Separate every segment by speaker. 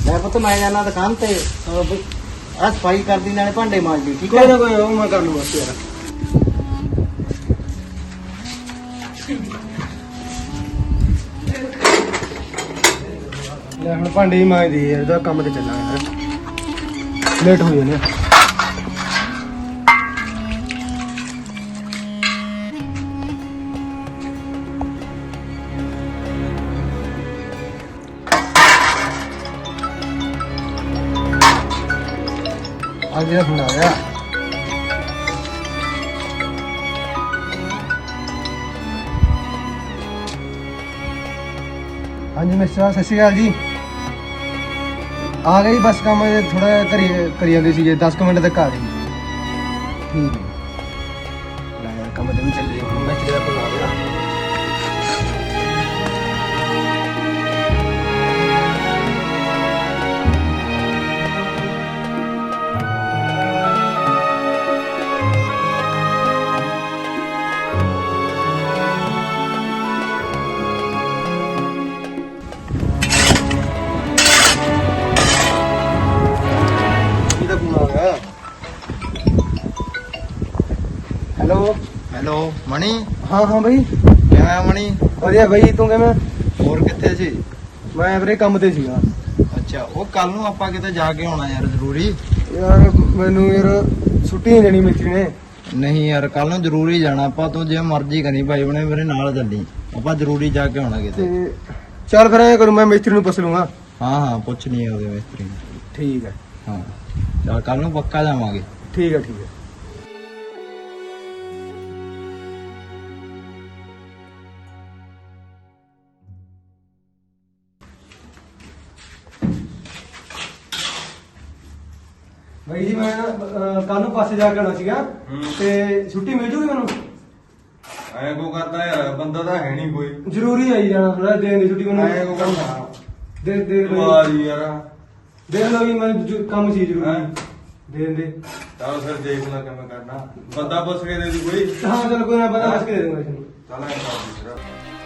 Speaker 1: मैं पुत मैं जाना दुकान ते आ सफाई कर दी नाले भांडे मांज दी ठीक
Speaker 2: कोई
Speaker 1: है।
Speaker 2: ना कोई मैं कर लूंगा यार। ਲੈ ਹੁਣ ਭਾਂਡੇ ਹੀ ਮਾਂਜਦੀ ਯਾਰ, ਇਹਦਾ ਕੰਮ ਤੇ ਚੱਲਾਂ ਯਾਰ, ਲੇਟ ਹੋ ਜਾਣੇ। ਆ ਗਿਆ ਫੋਨ ਆ ਗਿਆ। ਹਾਂਜੀ ਮਿਸਟਰ ਸਤਿ ਸ਼੍ਰੀ ਅਕਾਲ ਜੀ। ਆ ਗਈ ਬਸ ਕੰਮ ਥੋੜਾ ਕਰੀ ਜਾਂਦੇ ਸੀਗੇ, 10 ਮਿੰਟ ਤੱਕ ਆ ਗਈ। ਠੀਕ ਹੈ ਲੈ ਯਾਰ ਕੰਮ ਤੇ ਵੀ ਚੱਲ ਰਹੀ ਹੁਣ ਮਿਸਟਰ ਦਾ ਫੋਨ ਆ ਗਿਆ। हेलो
Speaker 3: ਹੈਲੋ ਮਣੀ
Speaker 2: हाँ हाँ भाई
Speaker 3: ਕਿਵੇਂ ਆ ਮਣੀ?
Speaker 2: ਵਧੀਆ भाई ਤੂੰ ਕਿਵੇਂ?
Speaker 3: ਹੋਰ ਕਿੱਥੇ ਸੀ?
Speaker 2: ਮੈਂ ਵੀਰੇ ਕੰਮ ਤੇ ਸੀਗਾ
Speaker 3: ਅੱਛਾ ਉਹ ਕੱਲ ਨੂੰ ਆਪਾਂ ਕਿਤੇ ਜਾ ਕੇ ਆਉਣਾ ਯਾਰ ਜ਼ਰੂਰੀ।
Speaker 2: ਯਾਰ, ਮੈਨੂੰ ਯਾਰ ਛੁੱਟੀ ਨਹੀਂ ਦੇਣੀ ਮਿਸਤਰੀ ਨੇ।
Speaker 3: ਨਹੀਂ ਯਾਰ ਕੱਲ ਨੂੰ ਜ਼ਰੂਰੀ ਜਾਣਾ ਆਪਾਂ, ਤੂੰ ਜੇ ਮਰਜ਼ੀ ਕਰੀ ਭਾਈ ਬਣੇ ਮੇਰੇ ਨਾਲ ਚੱਲੀ, ਆਪਾਂ ਜ਼ਰੂਰੀ ਜਾ ਕੇ ਆਉਣਾ ਕਿਤੇ।
Speaker 2: ਤੇ ਚੱਲ ਫਿਰ ਐ ਕਰੂੰ, ਮੈਂ ਮਿਸਤਰੀ ਨੂੰ ਪੁੱਛ ਲੂੰਗਾ।
Speaker 3: ਹਾਂ ਹਾਂ ਪੁੱਛ ਨਹੀਂ ਉਹਦੇ ਮਿਸਤਰੀ ਨੂੰ।
Speaker 2: ਠੀਕ ਹੈ
Speaker 3: ਹਾਂ ਚੱਲ ਕੱਲ ਨੂੰ ਪੱਕਾ ਜਾਵਾਂਗੇ।
Speaker 2: ਠੀਕ ਹੈ ਠੀਕ ਹੈ। ਭਾਈ ਜੀ ਮੈਂ ਕੱਲ ਨੂੰ ਪਾਸੇ ਜਾ ਕੇ ਆਉਣਾ ਸੀਗਾ ਤੇ ਛੁੱਟੀ ਮਿਲ ਜੂਗੀ ਮੈਨੂੰ?
Speaker 4: ਐ ਕੋ ਕਰਦਾ ਯਾਰ, ਬੰਦਾ ਤਾਂ ਹੈ ਨਹੀਂ ਕੋਈ।
Speaker 2: ਜ਼ਰੂਰੀ ਆਈ ਜਾਣਾ ਥੋੜਾ ਦੇਣ ਦੀ ਛੁੱਟੀ ਮੈਨੂੰ।
Speaker 4: ਐ ਕੋ ਕਰਦਾ
Speaker 2: ਦੇ
Speaker 4: ਵਾਰੀ ਯਾਰ।
Speaker 2: ਦੇਖ ਲਓ ਵੀ ਮੈਂ ਕੰਮ ਸੀ
Speaker 4: ਹੈਂ?
Speaker 2: ਜ਼ਰੂਰੀ ਦੇਣ ਦੇ।
Speaker 4: ਚਲ ਫਿਰ ਦੇਖ ਲੈ ਕਿਵੇਂ ਕਰਨਾ, ਬੰਦਾ ਪੁੱਛ ਕੇ ਦੇ ਦੂ ਕੋਈ।
Speaker 2: ਹਾਂ ਚਲ ਕੋਈ ਨਾ, ਪਤਾ ਦੱਸ ਕੇ ਦੇ ਦੂੰਗਾ ਇਸਨੂੰ।
Speaker 4: ਚੱਲ ਐ ਕਰ ਦੇ ਫਿਰ।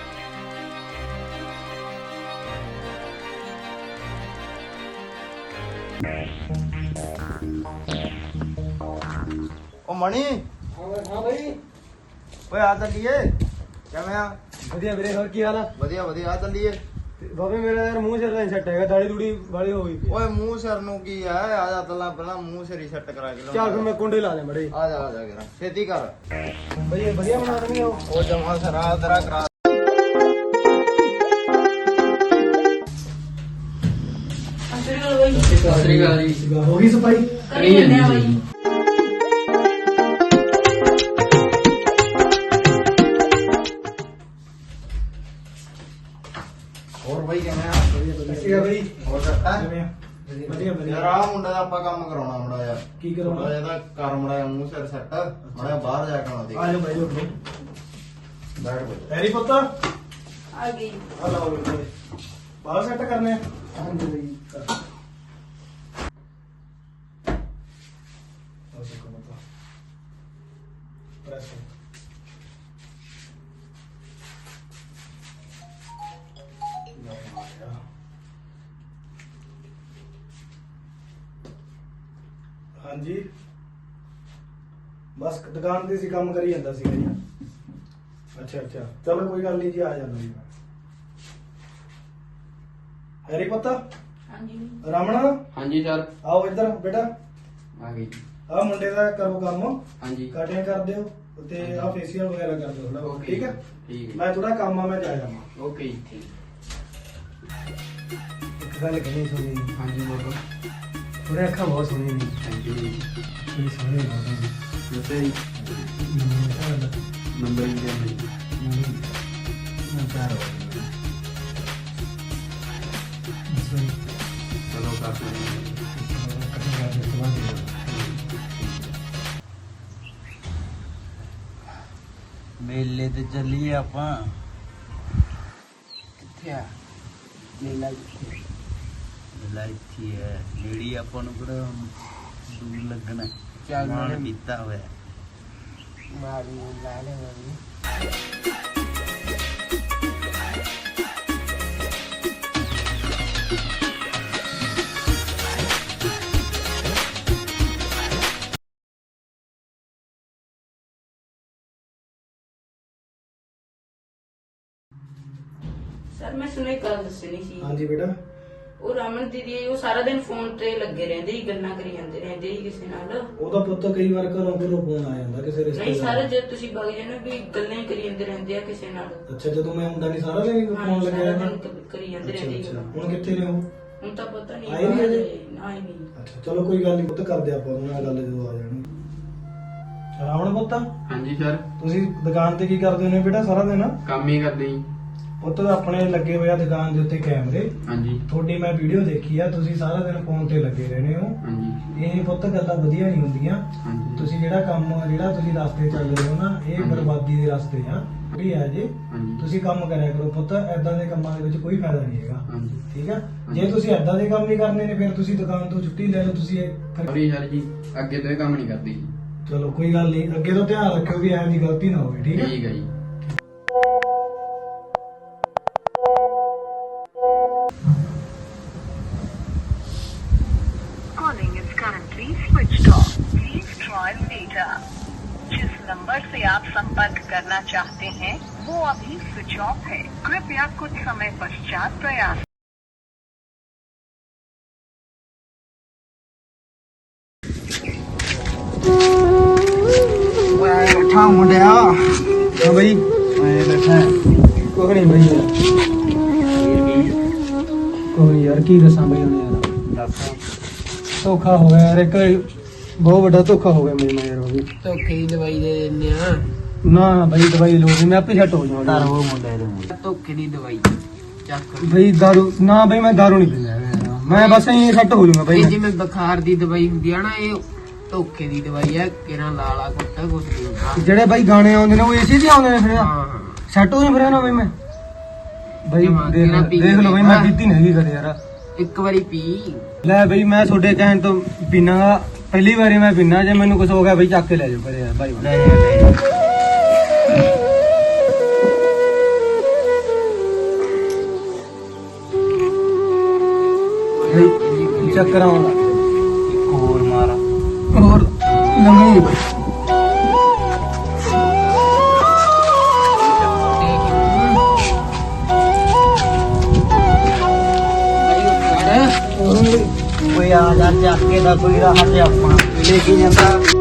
Speaker 3: ਉਹ ਮਣੀ
Speaker 2: ਹਾਂ ਭਾਈ
Speaker 3: ਓਏ ਆ ਚੱਲੀਏ। ਕਿਵੇਂ ਆ?
Speaker 2: ਵਧੀਆ ਵੀਰੇ, ਹੋਰ ਕੀ ਹਾਲ ਆ?
Speaker 3: ਵਧੀਆ ਵਧੀਆ ਆ ਚੱਲੀਏ।
Speaker 2: ਤੇ ਬਾਬੇ ਮੇਰਾ ਯਾਰ ਮੂੰਹ ਸਿਰ ਦਾ ਸੈੱਟ ਹੈਗਾ, ਦਾੜੀ ਦੂੜੀ ਵਾਲੀ ਹੋ ਗਈ ਪਈ।
Speaker 3: ਓਏ ਮੂੰਹ ਸਿਰ ਨੂੰ ਕੀ ਆ, ਆ ਜਾ ਪਹਿਲਾਂ ਮੂੰਹ ਸਿਰ ਹੀ ਸੈੱਟ ਕਰਾ ਕੇ
Speaker 2: ਚੱਲ ਫਿਰ ਮੈਂ ਕੁੰਡੇ ਲਾ ਦੇ ਮੜੇ।
Speaker 3: ਆ ਜਾ ਕਰਾ ਛੇਤੀ ਕਰ।
Speaker 2: ਵਧੀਆ ਵਧੀਆ ਬਣਾ ਦੇਣੀ ਉਹ।
Speaker 3: ਜਮਾ ਸਰਾ ਤੇਰਾ ਕਰਾ।
Speaker 5: ਸਤਿ ਸ਼੍ਰੀ ਅਕਾਲ ਜੀ।
Speaker 2: ਹੋ ਗਈ ਸਫਾਈ?
Speaker 5: ਕਰੀ ਜਾਂਦੇ ਆ ਬਾਈ।
Speaker 3: ਹੋਰ ਬਾਈ ਕਿਵੇਂ ਆ?
Speaker 2: ਅੱਛਾ ਭਾਈ
Speaker 3: ਹੋਰ ਸੱਟਾ?
Speaker 2: ਵਧੀਆ
Speaker 3: ਯਾਰ
Speaker 2: ਵਧੀਆ।
Speaker 3: ਆ ਮੁੰਡੇ ਦਾ ਆਪਾਂ ਕੰਮ ਕਰਾਉਣਾ ਮੁੰਡਾ ਯਾਰ।
Speaker 2: ਕੀ ਕਰਾਉਣਾ?
Speaker 3: ਇਹਦਾ ਕਰ ਮੁੰਡਾ ਮੂੰਹ ਸਿਰ ਸੈੱਟ ਮੁੰਡਾ ਬਾਹਰ ਜਾ ਕੇ ਆਉਣਾ ਦੇਖ।
Speaker 2: ਆ ਜਾ ਭਾਈ ਉੱਠੋ।
Speaker 3: ਬੈਠ ਬੈਠ।
Speaker 2: ਹੈਰੀ ਪੁੱਤ
Speaker 5: ਆ ਗਈ।
Speaker 2: ਆ ਲਾਓ ਵੀਰੇ, ਬਾਹਰ ਸੈੱਟ ਕਰਨੇ ਆ। ਹਾਂਜੀ ਭਾਈ ਹਾਂਜੀ ਬਸ ਦੁਕਾਨ ਤੇ ਸੀ, ਕੰਮ ਕਰੀ ਜਾਂਦਾ ਸੀਗਾ ਜੀ। ਅੱਛਾ ਅੱਛਾ ਚਲੋ ਕੋਈ ਗੱਲ ਨਹੀਂ ਜੀ, ਆ ਜਾਂਦਾ ਜੀ ਮੈਂ। ਹੈਰੀ ਪੁੱਤ,
Speaker 5: ਹਾਂਜੀ
Speaker 2: ਰਮਣਾ
Speaker 5: ਹਾਂਜੀ ਸਰ
Speaker 2: ਆਓ ਇੱਧਰ ਬੇਟਾ।
Speaker 5: ਆ ਗਈ।
Speaker 2: ਆ ਮੁੰਡੇ ਦਾ ਕਰੋ ਕੰਮ,
Speaker 5: ਹਾਂਜੀ
Speaker 2: ਕਟਿੰਗ ਕਰ ਦਿਓ ਤੇ ਆ ਫੇਸ਼ੀਅਲ ਵਗੈਰਾ ਕਰ ਦਿਓ ਥੋੜਾ, ਠੀਕ ਹੈ?
Speaker 5: ਠੀਕ ਹੈ
Speaker 2: ਮੈਂ ਥੋੜਾ ਕੰਮ ਆ, ਮੈਂ ਜਾ ਜਾਵਾਂ।
Speaker 5: ਓਕੇ ਜੀ ਠੀਕ।
Speaker 2: ਇੱਕ ਗੱਲ ਕਹਿਣੀ ਸੁਣੀ,
Speaker 5: ਹਾਂਜੀ ਬੋਲੋ।
Speaker 2: ਥੋੜੇ ਅੱਖਾਂ ਬਹੁਤ ਸੋਹਣੀਆਂ ਨੇ,
Speaker 5: ਥੈਂਕ ਯੂ ਜੀ।
Speaker 2: ਬੜੀ ਸੋਹਣੀ ਲੱਗਦੀ ਨੇ।
Speaker 5: ਦੱਸੋ ਜੀ ਨੰਬਰ ਹੀ ਦਿਓ ਜੀ।
Speaker 2: ਮੈਂ ਪਿਆਰ ਹੋ ਗਿਆ।
Speaker 5: ਚਲੋ ਕਰ ਲੈਂਦੇ
Speaker 3: ਮੇਲੇ ਤੇ ਚੱਲੀਏ ਆਪਾਂ।
Speaker 5: ਕਿੱਥੇ ਆ ਮੇਲਾ ਕਿੱਥੇ?
Speaker 3: ਮੇਲਾ ਇੱਥੇ ਹੈ ਨੇੜੀ, ਆਪਾਂ ਨੂੰ ਕਿਹੜਾ ਦੂਰ ਲੱਗਣਾ।
Speaker 5: ਚੱਲ
Speaker 3: ਮਾਣ
Speaker 5: ਨਾਲੇ
Speaker 3: ਕੀਤਾ ਹੋਇਆ।
Speaker 5: ਮਾਰੀ ਲਾ ਲੈ ਮਾਰੀ।
Speaker 6: ਸਰ ਮੈਂ ਸੁਣੀ ਗੱਲ ਦੱਸਣੀ ਸੀ।
Speaker 2: ਹਾਂਜੀ ਬੇਟਾ।
Speaker 6: ਉਹ ਰਮਨ ਦੀਦੀ ਉਹ ਸਾਰਾ ਦਿਨ ਫੋਨ ਤੇ ਲੱਗੇ ਰਹਿੰਦੇ ਹੀ, ਗੱਲਾਂ ਕਰੀ ਜਾਂਦੇ ਰਹਿੰਦੇ ਹੀ ਕਿਸੇ ਨਾਲ।
Speaker 2: ਉਹਦਾ ਪੁੱਤ ਕਈ ਵਾਰ ਘਰੋਂ ਫੋਨ ਆ ਜਾਂਦਾ ਕਿਸੇ
Speaker 6: ਨਹੀਂ ਸਰ, ਜੇ ਤੁਸੀਂ ਬਗ ਜਾਣਾ ਵੀ ਗੱਲਾਂ ਹੀ ਕਰੀ ਜਾਂਦੇ ਰਹਿੰਦੇ ਆ ਕਿਸੇ ਨਾਲ।
Speaker 2: ਅੱਛਾ, ਜਦੋਂ ਮੈਂ ਹੁੰਦਾ ਨਹੀਂ ਸਾਰਾ ਦਿਨ ਫੋਨ ਲੱਗਿਆ ਰਹਿੰਦਾ।
Speaker 6: ਕਰੀ ਜਾਂਦੇ ਰਹਿੰਦੇ ਹੀ।
Speaker 2: ਹੁਣ ਕਿੱਥੇ ਨੇ ਉਹ?
Speaker 6: ਹੁਣ ਤਾਂ ਪਤਾ ਨਹੀਂ
Speaker 2: ਆਏ ਨਹੀਂ ਅਜੇ?
Speaker 6: ਆਏ ਨਹੀਂ।
Speaker 2: ਅੱਛਾ ਚਲੋ ਕੋਈ ਗੱਲ ਨਹੀਂ ਪੁੱਤ, ਕਰਦੇ ਆਪਾਂ ਉਹਨਾਂ ਨਾਲ ਗੱਲ ਜਦੋਂ ਆ ਜਾਣਗੇ। ਰਾਵਣ ਪੁੱਤ,
Speaker 7: ਹਾਂਜੀ ਸਰ।
Speaker 2: ਤੁਸੀਂ ਦੁਕਾਨ ਤੇ ਕੀ ਕਰਦੇ ਹੋ ਬੇਟਾ ਸਾਰਾ ਦਿਨ?
Speaker 7: ਕੰਮ ਹੀ ਕਰਦੇ ਜੀ।
Speaker 2: ਪੁੱਤ ਆਪਣੇ ਲੱਗੇ ਹੋਏ ਆ ਦੁਕਾਨ ਦੇ ਉੱਤੇ ਕੈਮਰੇ।
Speaker 7: ਹਾਂਜੀ
Speaker 2: ਤੁਹਾਡੀ ਮੈਂ ਵੀਡੀਓ ਦੇਖੀ ਆ, ਤੁਸੀਂ ਸਾਰਾ ਦਿਨ ਫੋਨ ਤੇ ਲੱਗੇ ਰਹਿੰਦੇ ਹੋ।
Speaker 7: ਹਾਂਜੀ
Speaker 2: ਇਹ ਪੁੱਤ ਗੱਲਾਂ ਵਧੀਆ ਨਹੀਂ ਹੁੰਦੀਆਂ।
Speaker 7: ਹਾਂਜੀ
Speaker 2: ਤੁਸੀਂ ਜਿਹੜਾ ਤੁਸੀਂ ਰਸਤੇ ਚੱਲ ਰਹੇ ਹੋ ਨਾ, ਇਹ
Speaker 7: ਹਾਂਜੀ।
Speaker 2: ਬਰਬਾਦੀ ਦੇ ਰਸਤੇ ਆ। ਵੀ ਹੈ ਜੀ,
Speaker 7: ਹਾਂਜੀ
Speaker 2: ਤੁਸੀਂ ਕੰਮ ਕਰਿਆ ਕਰੋ ਪੁੱਤ, ਐਦਾਂ ਦੇ ਕੰਮਾਂ ਦੇ ਵਿੱਚ ਕੋਈ ਫਾਇਦਾ ਨਹੀਂ ਹੈਗਾ।
Speaker 7: ਹਾਂਜੀ
Speaker 2: ਠੀਕ ਆ, ਜੇ ਤੁਸੀਂ ਐਦਾਂ ਦੇ ਕੰਮ ਨਹੀਂ ਕਰਨੇ ਨੇ ਫਿਰ ਤੁਸੀਂ ਦੁਕਾਨ ਤੋਂ ਛੁੱਟੀ ਲੈ ਲਓ। ਤੁਸੀਂ
Speaker 7: ਸੌਰੀ ਸਰ ਜੀ, ਅੱਗੇ ਤੋਂ ਇਹ ਕੰਮ ਨਹੀਂ ਕਰਦੀ।
Speaker 2: ਚਲੋ ਕੋਈ ਗੱਲ ਨਹੀਂ, ਅੱਗੇ ਤੋਂ ਧਿਆਨ ਰੱਖਿਓ ਵੀ ਐਂ ਦੀ ਗਲਤੀ ਨਾ ਹੋਵੇ। ਠੀਕ ਹੈ
Speaker 7: ਠੀਕ ਹੈ ਜੀ।
Speaker 8: Calling is currently switched off. Please try later. जिस नंबर से आप संपर्क करना चाहते हैं वो अभी स्विच ऑफ है। कृपया कुछ समय पश्चात प्रयास
Speaker 3: ਬੈਠਾ ਮੁੰਡਿਆ।
Speaker 2: ਹਾਂ ਬਈ,
Speaker 3: ਮੈਂ ਬੈਠਾ।
Speaker 2: ਕੁਝ ਨਹੀਂ ਬਈ ਯਾਰ, ਕੋਈ ਨੀ ਯਾਰ, ਕੀ ਦੱਸਾਂ ਬਈ ਹੁਣ ਯਾਰ।
Speaker 3: ਦੱਸ।
Speaker 2: ਧੋਖਾ ਹੋ ਗਿਆ ਯਾਰ, ਇੱਕ ਬਹੁਤ ਵੱਡਾ ਧੋਖਾ ਹੋ ਗਿਆ ਮੇਰੇ ਨਾਲ ਯਾਰ। ਉਹ ਵੀ
Speaker 5: ਧੋਖੇ ਦੀ ਦਵਾਈ ਦੇ ਦਿੰਦੇ ਆ।
Speaker 2: ਨਾ ਬਈ ਦਵਾਈ ਲੋੜ ਨਹੀਂ, ਮੈਂ ਆਪੇ ਸੈੱਟ ਹੋ ਜਾਵਾਂਗਾ।
Speaker 3: ਧਰ ਉਹ ਮੁੰਡੇ ਦੇ।
Speaker 5: ਧੋਖੇ ਦੀ ਦਵਾਈ ਚੱਕ।
Speaker 2: ਬਈ ਦਾਰੂ ਨਾ ਬਈ, ਮੈਂ ਦਾਰੂ ਨਹੀਂ ਪੀਂਦਾ ਯਾਰ। ਮੈਂ ਬਸ ਐਂ ਸੈੱਟ ਹੋ ਜਾਊਂਗਾ ਬਈ।
Speaker 5: ਇਹ ਜਿਵੇਂ ਬੁਖਾਰ ਦੀ ਦਵਾਈ ਹੁੰਦੀ ਆ ਨਾ, ਇਹ ਧੋਖੇ ਦੀ ਦਵਾਈ ਆ। ਕਿਰਾਂ ਲਾਲਾ ਕੁੱਟਾ ਕੁਛ ਨਹੀਂ ਹੁੰਦਾ।
Speaker 2: ਜਿਹੜੇ ਬਾਈ ਗਾਣੇ ਆਉਂਦੇ ਨੇ ਉਹ ਏਸੀ ਤੇ ਆਉਂਦੇ ਨੇ ਫਿਰ
Speaker 5: ਹਾਂ
Speaker 2: ਸੈੱਟ ਹੋ ਜਾ ਫਿਰ ਨਾ ਬਈ। ਮੈਂ ਬਈ ਦੇਖ ਲਓ ਬਈ, ਮੈਂ ਪੀਤੀ ਨਹੀਂ ਹੈਗੀ ਕਦੇ ਯਾਰ।
Speaker 5: ਇੱਕ ਵਾਰੀ ਪੀ।
Speaker 2: ਲੈ ਬਈ, ਮੈਂ ਤੁਹਾਡੇ ਕਹਿਣ ਤੋਂ ਪੀਣਾਗਾ। ਪਹਿਲੀ ਵਾਰੀ ਮੈਂ ਪੀਣਾ, ਜੇ ਮੈਨੂੰ ਕੁਝ ਹੋ ਗਿਆ ਬਈ ਚੱਕ ਕੇ ਲੈ ਜਾਓ ਕਰੇ ਯਾਰ ਬਾਈ।
Speaker 3: ਲੈ ਜਾ ਲੈ ਜਾ।
Speaker 2: ਚੱਕਰ ਆਉਂਦਾ
Speaker 3: ਇੱਕ ਹੋਰ ਮਾਰ।
Speaker 2: ਹੋਰ ਲੰਗੀ ਬਈ।
Speaker 3: ਕੋਈ ਆ ਜਾ ਚੱਕ ਕੇ ਦਾ ਕੋਈ ਰਾਹ ਤੇ ਆਪਾਂ ਲੈ ਕੇ ਜਾਂਦਾ।